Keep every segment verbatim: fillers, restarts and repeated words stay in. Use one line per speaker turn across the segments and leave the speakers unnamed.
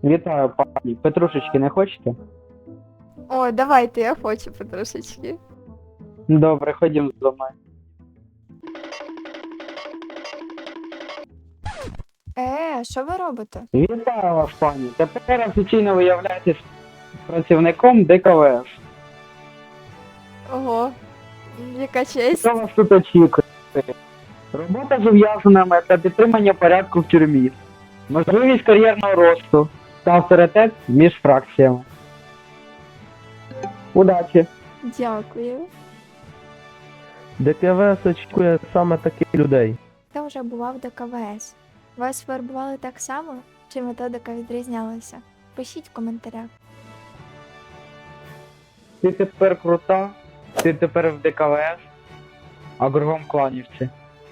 Вітаю, пані. Петрушечки не хочете?
О, давайте, я хочу потрошечки.
Добре, ходім за мною.
Е, що ви робите?
Вітаю вас, пані. Тепер офіційно ви являєтесь працівником ДКВС.
Ого, яка честь.
Що вас тут очікує? Робота з ув'язненими та підтримання порядку в тюрмі. Можливість кар'єрного росту та авторитет між фракціями. Удачі!
Дякую.
ДКВС очікує саме таких людей.
Хто вже бував до КВС? Вас вербували так само, чи методика відрізнялася? Пишіть в коментарях.
Ти тепер крута, ти тепер в ДКВС, а кругом кланівці.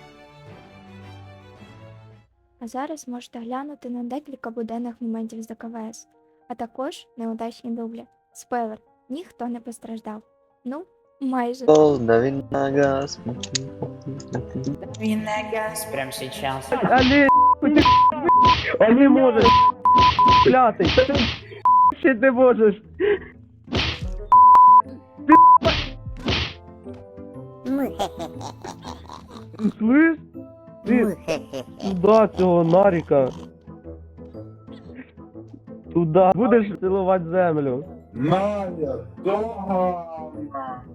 А зараз можете глянути на декілька буденних моментів з ДКВС, а також неудачні дублі. Спойлер, ніхто не постраждав. Ну, майже.
Дави на газ.
Дави на газ прямо сейчас.
Алі, ти а не можеш, клятий, ще ти можеш. Ти слиш? Ти туди цього наріка. Туди будеш цілувати землю.
Надя, догана.